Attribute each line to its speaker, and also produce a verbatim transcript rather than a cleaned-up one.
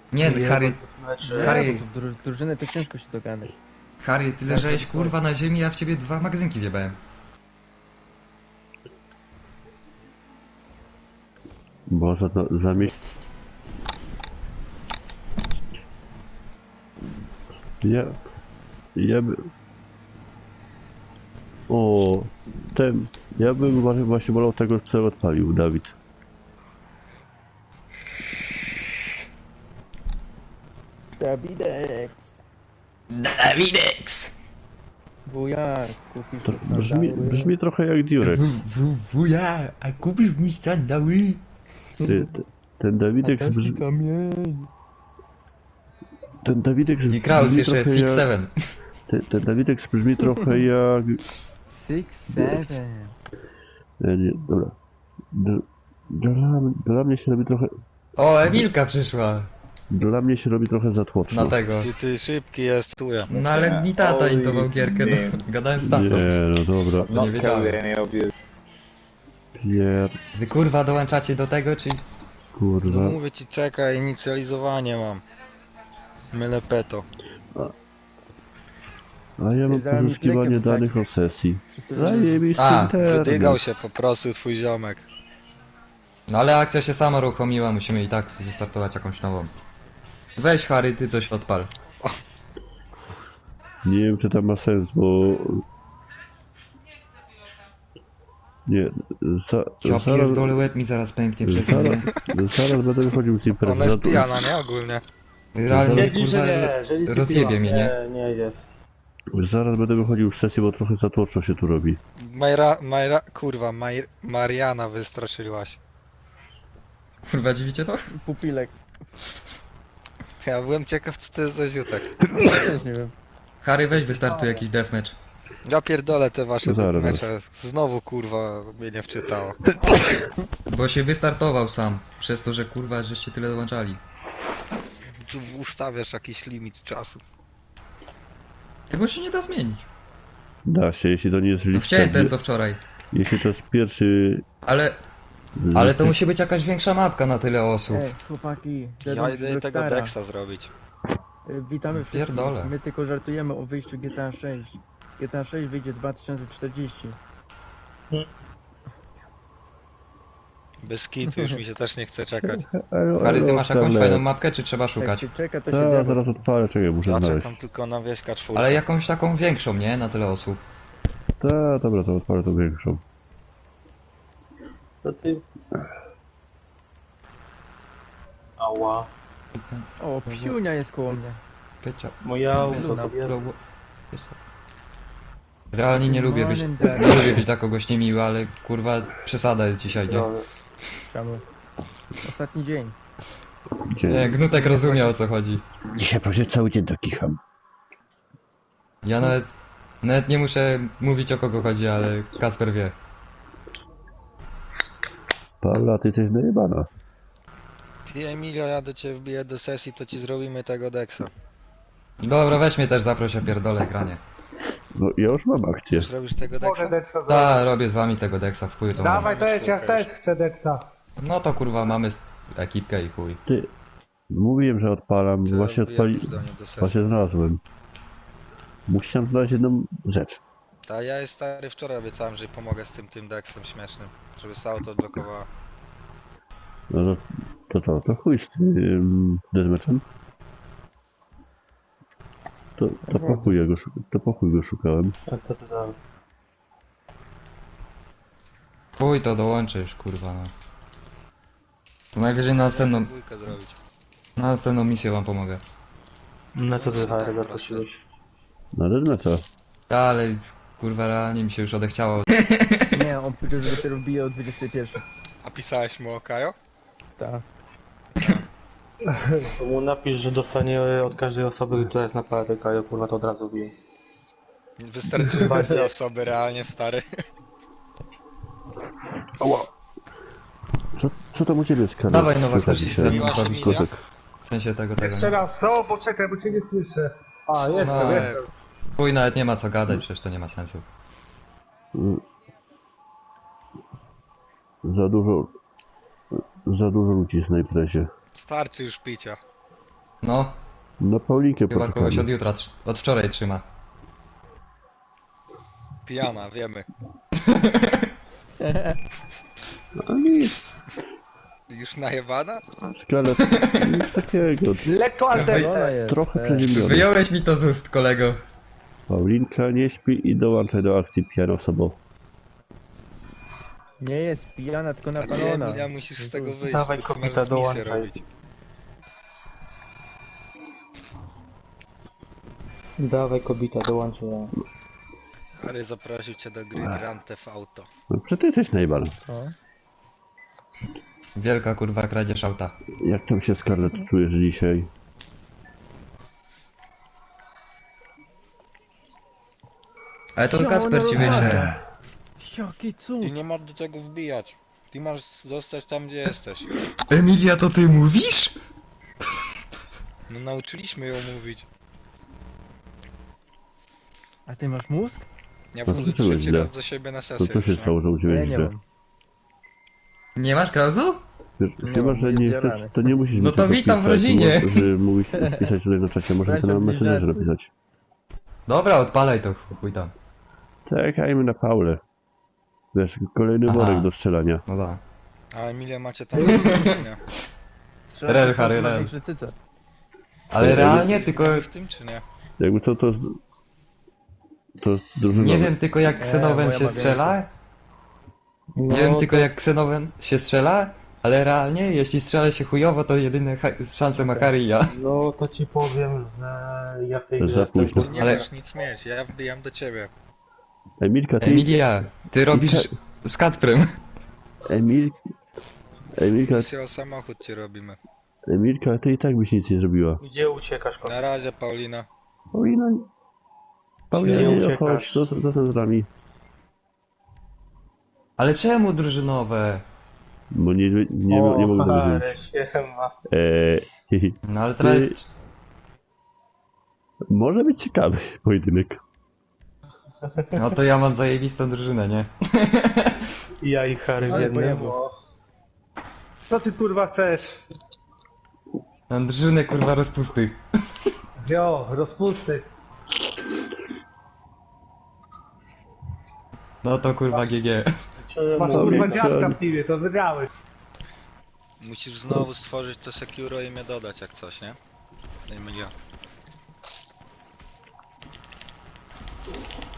Speaker 1: Nie, Harry, Harry,
Speaker 2: Nie, bo to dru drużynę to ciężko się dogadać.
Speaker 1: Harry, ty leżałeś kurwa na ziemi, ja w ciebie dwa magazynki wjebałem.
Speaker 3: Bo za, za miesiąc... Ja... Ja by... O, ten... Ja bym właśnie, właśnie wolał tego, co odpalił Dawid.
Speaker 2: Dawidex!
Speaker 1: Dawidex!
Speaker 2: Wujar, kupisz
Speaker 3: To
Speaker 2: mi
Speaker 3: brzmi,
Speaker 2: sandały?
Speaker 3: brzmi trochę jak Durex.
Speaker 1: Wuja, a kupisz mi sandały?
Speaker 3: Ty, ty, ten Dawidek
Speaker 2: A
Speaker 3: brzmi...
Speaker 2: taki kamień!
Speaker 3: Ten Dawidek
Speaker 1: I Kraus
Speaker 3: brzmi
Speaker 1: jeszcze
Speaker 3: trochę
Speaker 1: six
Speaker 3: jak...
Speaker 1: seven.
Speaker 3: Ten, ten Dawidek brzmi trochę jak...
Speaker 2: Six, seven.
Speaker 3: Nie, nie, dobra. Dla, dla, dla mnie się robi trochę...
Speaker 1: O, Emilka przyszła.
Speaker 3: Dla mnie się robi trochę za tłoczno.
Speaker 1: Na tego.
Speaker 4: Ty, ty szybki jest, tu ja.
Speaker 1: No ale mi tata
Speaker 5: Oj,
Speaker 1: intował gierkę, no, gadałem z tatą.
Speaker 3: Nie, no dobra.
Speaker 1: No nie wiedziałem.
Speaker 3: Pier...
Speaker 1: Wy kurwa dołączacie do tego, czy...
Speaker 4: No
Speaker 3: Kurwa.
Speaker 4: mówię ci, czekaj, inicjalizowanie mam. Mylę peto.
Speaker 3: A ja mam
Speaker 2: zaraz mi
Speaker 3: poszukiwanie
Speaker 2: plekę
Speaker 3: danych o sesji.
Speaker 2: Wszyscy
Speaker 3: Zajebisty
Speaker 1: A,
Speaker 3: internet.
Speaker 4: Wydygał się po prostu twój ziomek.
Speaker 1: No ale akcja się sama uruchomiła, musimy i tak wystartować jakąś nową. Weź Harry, ty coś odpal.
Speaker 3: Nie wiem, czy to ma sens, bo... Nie, za,
Speaker 1: Ja
Speaker 3: zaraz,
Speaker 1: pierdolę, łeb mi zaraz pęknie przez
Speaker 3: zaraz,
Speaker 1: chwilę.
Speaker 3: zaraz będę wychodził z imprezy.
Speaker 4: Ona jest
Speaker 3: Za-
Speaker 4: pijana, nie? Ogólnie.
Speaker 1: Realnie
Speaker 5: Wiedzi,
Speaker 1: kurwa
Speaker 5: że nie, że nic
Speaker 1: rozjebie
Speaker 5: piła.
Speaker 1: mnie, nie?
Speaker 5: Nie, nie jest.
Speaker 3: Zaraz będę wychodził z sesji, bo trochę za tłoczno się tu robi.
Speaker 4: Majra, Majra, kurwa, Maj, Mariana wystraszyłaś.
Speaker 1: Kurwa, dziwicie to?
Speaker 2: Pupilek.
Speaker 4: Ja byłem ciekaw, co to jest za ziutek.
Speaker 2: Też nie wiem.
Speaker 1: Harry, weź wystartuj jakiś deathmatch.
Speaker 4: Ja pierdolę te wasze
Speaker 3: No zaraz.
Speaker 4: mecze. Znowu, kurwa, mnie nie wczytało.
Speaker 1: Bo się wystartował sam, przez to, że kurwa, żeście tyle dołączali.
Speaker 4: Tu ustawiasz jakiś limit czasu.
Speaker 1: Tego się nie da zmienić.
Speaker 3: Da się, jeśli to nie jest
Speaker 1: No
Speaker 3: lista...
Speaker 1: chciałem ten co wczoraj.
Speaker 3: Jeśli to jest pierwszy...
Speaker 1: Ale, ale to musi być jakaś większa mapka na tyle osób.
Speaker 2: Ej, chłopaki.
Speaker 4: Ja
Speaker 2: Deadman
Speaker 4: idę
Speaker 2: z
Speaker 4: tego
Speaker 2: Rockstara.
Speaker 4: Dexa zrobić.
Speaker 2: Y, Witamy wszystkich.
Speaker 1: Pierdolę.
Speaker 2: My tylko żartujemy o wyjściu G T A sześć. G T A sześć wyjdzie dwa tysiące czterdzieści.
Speaker 4: Bez kitu, już mi się też nie chce czekać.
Speaker 1: Harry, ty masz jakąś
Speaker 3: Ale-
Speaker 1: fajną mapkę, czy trzeba
Speaker 2: Jak
Speaker 1: szukać?
Speaker 2: się czeka, to się
Speaker 3: Tak,
Speaker 2: dzieje.
Speaker 3: zaraz odpalę, czekaj, muszę
Speaker 4: Ja
Speaker 3: znaleźć.
Speaker 4: czekam tylko na wieśka czwórkę.
Speaker 1: Ale jakąś taką większą, nie? Na tyle osób.
Speaker 3: Tak, dobra, to odpalę tą większą.
Speaker 5: To ty... Ała.
Speaker 2: O, psiunia jest koło mnie.
Speaker 1: Pycia.
Speaker 5: Moje auto,
Speaker 2: Luna,
Speaker 5: kobieta.
Speaker 1: Realnie nie lubię być,
Speaker 2: Morning, Daddy.
Speaker 1: nie lubię być dla kogoś niemiły, ale kurwa przesada jest dzisiaj, nie?
Speaker 5: Dobra.
Speaker 2: Czemu? Ostatni dzień.
Speaker 3: Dzień.
Speaker 1: Nie, Gnutek rozumie o co chodzi.
Speaker 3: Dzisiaj prawie cały dzień tak kicham.
Speaker 1: Ja nawet, nawet nie muszę mówić o kogo chodzi, ale Kasper wie.
Speaker 3: Paula, ty jesteś najebana.
Speaker 4: Ty Emilio, ja do ciebie wbiję do sesji, to ci zrobimy tego Dexa.
Speaker 1: Dobra, weź mnie też zaproś, ja pierdolę granie.
Speaker 3: No ja już mam akcję.
Speaker 4: Zrobisz tego Dexa?
Speaker 6: Mogę Dexa zrobić.
Speaker 1: Ta, robię z wami tego Dexa w chuj to mam.
Speaker 6: Dawaj też, ja też chcę Dexa.
Speaker 1: No to kurwa mamy s- ekipkę i chuj.
Speaker 3: Ty, mówiłem, że odpalam,
Speaker 4: To
Speaker 3: właśnie
Speaker 4: wbijam
Speaker 3: odpali...
Speaker 4: już do mnie do sesji.
Speaker 3: Właśnie znalazłem. Musiałem znaleźć jedną rzecz.
Speaker 4: Ta ja jest stary, wczoraj obiecałem, że pomogę z tym tym Dexem śmiesznym, żeby się auto odblokowała.
Speaker 3: No to, to to, to chuj z tym deathmatchem. To, to po chuj ja go, szu- to po chuj go szukałem.
Speaker 5: A co to za...
Speaker 1: Chuj to dołączysz, kurwa no. To najwyżej na następną,
Speaker 4: Dwójkę zrobić.
Speaker 1: na następną misję wam pomogę.
Speaker 5: Na co ty
Speaker 4: Tak,
Speaker 5: Harry
Speaker 4: proste.
Speaker 5: zaprosiłeś?
Speaker 3: Na deathmatcha.
Speaker 1: Ta, ale kurwa realnie mi się już odechciało.
Speaker 2: Nie, on powiedział, że dopiero wbije o dwudziestej pierwszej.
Speaker 4: A pisałeś mu o Kajo?
Speaker 2: Tak.
Speaker 5: To mu napisz, że dostanie od każdej osoby, która jest na paletę Kajo, kurwa, to od razu bije.
Speaker 4: Wystarczyły dwie osoby realnie, stary.
Speaker 3: Ała. Co, co tam u ciebie jest kanał?
Speaker 1: Dawaj Nowak też
Speaker 3: dzisiaj?
Speaker 1: ze mną
Speaker 4: Miła się
Speaker 1: bawić.
Speaker 4: mija.
Speaker 3: Kotek.
Speaker 1: W sensie tego, tego.
Speaker 6: Jeszcze
Speaker 1: Nie?
Speaker 6: raz, co? Poczekaj, bo cię nie słyszę. A, jestem,
Speaker 1: No,
Speaker 6: jestem.
Speaker 1: Chuj nawet nie ma co gadać, przecież to nie ma sensu.
Speaker 3: Mm. Za dużo... Za dużo ludzi jest na imprezie.
Speaker 4: Starczy już picia.
Speaker 1: No,
Speaker 3: Na Paulinkę
Speaker 1: chyba kogoś od
Speaker 3: poszukamy.
Speaker 1: jutra, tr- od wczoraj trzyma.
Speaker 4: Pijana, wiemy.
Speaker 3: A nic,
Speaker 4: Już najebana?
Speaker 3: szkielet, nic takiego.
Speaker 6: Lekko alternatyw.
Speaker 2: Ona jest.
Speaker 3: Trochę
Speaker 2: e,
Speaker 3: przeziębiony.
Speaker 1: Wyjąłeś mi to z ust, kolego.
Speaker 3: Paulinka nie śpi i dołączaj do akcji pijano sobą.
Speaker 2: Nie jest pijana, tylko
Speaker 4: A ty,
Speaker 2: napalona.
Speaker 4: Emilia, musisz z tego wyjść,
Speaker 5: Dawaj,
Speaker 4: bo ty
Speaker 5: kopita,
Speaker 4: masz misję
Speaker 5: dołączaj.
Speaker 4: robić.
Speaker 5: Dawaj kobita, dołączę ja.
Speaker 4: Harry zaprosił cię do gry Grand Theft Auto.
Speaker 3: No przecież ty jesteś najbal.
Speaker 2: O.
Speaker 1: Wielka kurwa kradzież auta.
Speaker 3: Jak tam się Scarlett czujesz dzisiaj?
Speaker 1: Ale to
Speaker 2: Ja,
Speaker 1: Kacper
Speaker 2: ona
Speaker 1: ci
Speaker 2: rozmawia.
Speaker 1: wyśle.
Speaker 2: Jaki cud.
Speaker 4: Ty nie masz do tego wbijać. Ty masz zostać tam, gdzie jesteś.
Speaker 1: Emilia, to ty mówisz?
Speaker 4: No nauczyliśmy ją mówić.
Speaker 2: A ty masz mózg?
Speaker 4: Ja
Speaker 3: No to
Speaker 4: wchodzę
Speaker 3: co
Speaker 4: trzeci
Speaker 3: źle?
Speaker 4: raz do siebie na
Speaker 3: To
Speaker 4: sesję.
Speaker 3: co się
Speaker 4: już, nie?
Speaker 3: stało, że u
Speaker 2: Ja
Speaker 3: ciebie
Speaker 2: nie
Speaker 3: źle?
Speaker 2: mam.
Speaker 1: Nie masz klauzu?
Speaker 3: Wiesz,
Speaker 2: Nie
Speaker 3: chyba,
Speaker 2: mam,
Speaker 3: że
Speaker 2: jest
Speaker 3: nie
Speaker 2: zjarany.
Speaker 3: chcesz, to nie musisz
Speaker 1: No
Speaker 3: mi
Speaker 1: to
Speaker 3: tego
Speaker 1: witam w
Speaker 3: pisać,
Speaker 1: rodzinie.
Speaker 3: mo- Że mówisz pisać tutaj na czacie, może to
Speaker 2: Bracia
Speaker 3: na Messengerze
Speaker 2: bliźniacy.
Speaker 3: napisać.
Speaker 1: Dobra, odpalaj to, chuj tam.
Speaker 3: Czekajmy na Paulę. Wiesz, kolejny
Speaker 1: Aha.
Speaker 3: worek do strzelania.
Speaker 1: No da.
Speaker 4: A Emilia macie tam czy nie?
Speaker 2: Strzela
Speaker 1: Rel,
Speaker 2: się, co
Speaker 1: Harry,
Speaker 2: ma
Speaker 1: rel.
Speaker 2: większe cyce.
Speaker 1: Ale
Speaker 3: Ja
Speaker 1: realnie
Speaker 4: Jesteś
Speaker 1: tylko...
Speaker 4: z nami w tym czy nie?
Speaker 3: Jakby co to... To drużynowe.
Speaker 1: Nie wiem tylko jak
Speaker 2: E,
Speaker 1: Ksenowen
Speaker 2: moja
Speaker 1: się
Speaker 2: ma
Speaker 1: strzela.
Speaker 5: No,
Speaker 1: Nie wiem
Speaker 5: to-
Speaker 1: tylko jak Ksenowen się strzela. Ale realnie, jeśli strzela się chujowo, to jedyne ha- szanse ma Harry i ja.
Speaker 5: No to ci powiem, że ja w tej
Speaker 3: Za
Speaker 5: grze jestem
Speaker 3: późno.
Speaker 4: Ty nie
Speaker 1: Ale-
Speaker 4: możesz nic mieć, ja wbijam do ciebie.
Speaker 3: Emilka, ty...
Speaker 1: Emilia, ty robisz z Kacprem.
Speaker 3: Emil... Emilka,
Speaker 4: Misję o samochód ci robimy.
Speaker 3: Emilka, ty i tak byś nic nie zrobiła.
Speaker 5: Gdzie uciekasz, kobita?
Speaker 4: Na razie, Paulina.
Speaker 3: Paulina... Paulina,
Speaker 5: Nie
Speaker 3: nie
Speaker 5: uciekasz.
Speaker 3: chodź, co, co tam z nami?
Speaker 1: Ale czemu drużynowe?
Speaker 3: Bo nie, nie, nie, nie mogę
Speaker 5: Harry,
Speaker 3: dożyć.
Speaker 5: siema.
Speaker 3: Eee,
Speaker 1: No ale teraz... jest-
Speaker 3: może być ciekawy pojedynek.
Speaker 1: No to ja mam zajebistą drużynę, nie?
Speaker 5: Ja i Harry w
Speaker 2: Ale
Speaker 5: jednym.
Speaker 2: pojemło.
Speaker 6: Co ty kurwa chcesz?
Speaker 1: Mam drużynę kurwa rozpusty.
Speaker 6: Jo, rozpusty.
Speaker 1: No to kurwa G G.
Speaker 6: Masz
Speaker 3: Mówię,
Speaker 6: kurwa
Speaker 3: co?
Speaker 6: dziadka w teamie, to wygrałeś.
Speaker 4: Musisz znowu stworzyć to Securo i mnie dodać jak coś, nie? Emilia.